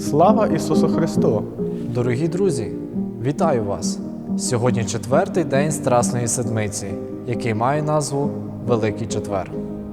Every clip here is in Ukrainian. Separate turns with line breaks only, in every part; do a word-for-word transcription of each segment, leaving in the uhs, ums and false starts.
Слава Ісусу Христу!
Дорогі друзі, вітаю вас! Сьогодні четвертий день Страсної Седмиці, який має назву Великий Четвер.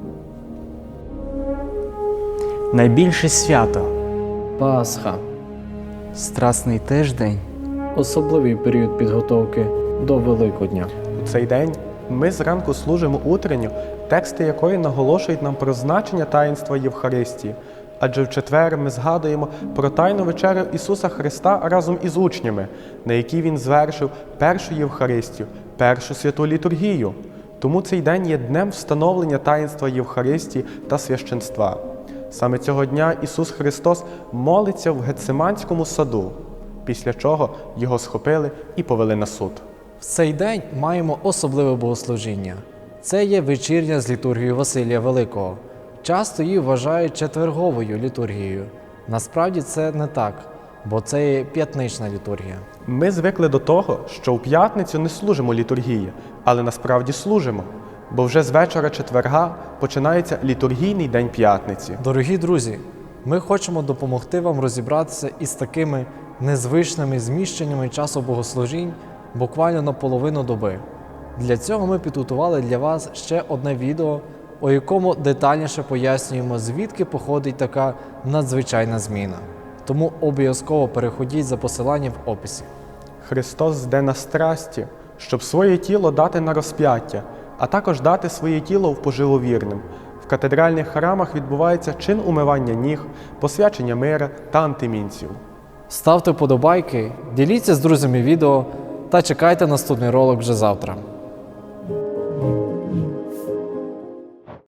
Найбільше свято,
Пасха –
Страсний тиждень,
особливий період підготовки до Великодня.
У цей день ми зранку служимо утренню, тексти якої наголошують нам про значення таїнства Євхаристії. Адже в четвер ми згадуємо про Тайну вечерю Ісуса Христа разом із учнями, на якій Він звершив першу Євхаристію, першу святу літургію. Тому цей день є днем встановлення таїнства Євхаристії та священства. Саме цього дня Ісус Христос молиться в Гетсиманському саду, після чого Його схопили і повели на суд.
В цей день маємо особливе богослужіння. Це є вечірня з літургією Василія Великого. Часто її вважають четверговою літургією. Насправді це не так, бо це є п'ятнична літургія.
Ми звикли до того, що в п'ятницю не служимо літургії, але насправді служимо, бо вже з вечора четверга починається літургійний день п'ятниці.
Дорогі друзі, ми хочемо допомогти вам розібратися із такими незвичними зміщеннями часу богослужінь буквально на половину доби. Для цього ми підготували для вас ще одне відео, у якому детальніше пояснюємо, звідки походить така надзвичайна зміна. Тому обов'язково переходіть за посиланням в описі.
Христос зде на страсті, щоб своє тіло дати на розп'яття, а також дати своє тіло в поживу вірним. В катедральних храмах відбувається чин умивання ніг, посвячення мира та антимінців.
Ставте вподобайки, діліться з друзями відео та чекайте наступний ролик вже завтра.